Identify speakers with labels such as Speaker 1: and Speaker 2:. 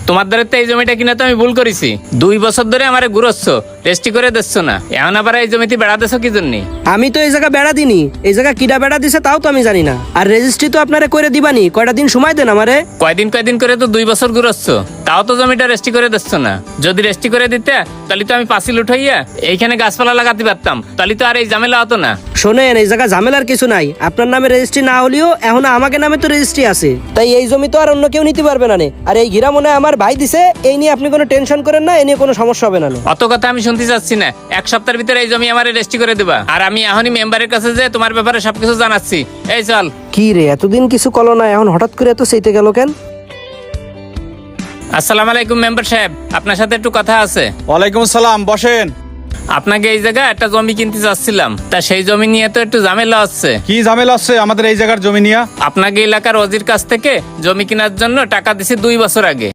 Speaker 1: তোমার দ্বারা তো এই জমিটা কিনা তো আমি ভুল করেছি। 2 বছর ধরে আমারে ঘুরোচ্ছ, রেস্টি করে দিচ্ছ না, এখন আবার এই জমিতে বেড়া দিচ্ছ কি জন্য?
Speaker 2: আমি তো এই জায়গা বেড়া দিনি, এই জায়গা কিডা বেড়া দিছে তাও তো আমি জানি না। আর রেজিস্ট্রি তো আপনারা করে দিবানি, কয়টা দিন সময় দেন আমারে।
Speaker 1: কয়দিন করে তো 2 বছর ঘুরোচ্ছ, তাও তো জমিটা রেস্টি করে দিচ্ছ না। যদি রেস্টি করে দিতে তাহলে তো আমি পাঁচিল উঠাইয়া এইখানে গাছপালা লাগাতে পারতাম, তাহলে তো আর এই ঝামেলা হতো না।
Speaker 2: শোনেন, এই জায়গা ঝামেলার কিছু নাই। আপনার নামে রেজিস্ট্রি না হলেও এখন আমাকে নামে তো রেজিস্ট্রি আছে, তাই এই জমি তো আর অন্য কেউ নিতে পারবে না নে। আর এই ঘিরা মনে হয় আমার ভাই দিছে, এই নিয়ে আপনি কোনো টেনশন করেন না, এই নিয়ে কোনো সমস্যা হবে না নে।
Speaker 1: অত কথা আমি শুনতে চাচ্ছি না। 1 সপ্তাহের ভিতরে এই জমি আমার রেস্টি করে দিবা, আর আমি এখনই মেম্বারের কাছে যে তোমার ব্যাপারে সবকিছু জানাচ্ছি। এই চল।
Speaker 2: কি রে, এতদিন কিছু কলো না, এখন হঠাৎ করে এত সেইতে গেল কেন?
Speaker 1: আসসালামু আলাইকুম মেম্বার সাহেব, আপনার সাথে একটু কথা আছে।
Speaker 3: ওয়ালাইকুম আসসালাম, বসেন।
Speaker 1: আপনাকে এই জায়গায় একটা জমি কিনতে চাচ্ছিলাম, তা সেই জমি নিয়ে তো একটু ঝামেলা হচ্ছে।
Speaker 3: কি ঝামেলা আছে আমাদের এই জায়গার জমি নিয়ে?
Speaker 1: আপনাকে এলাকার ওজির কাছ থেকে জমি কেনার জন্য টাকা দিছি 2 বছর আগে।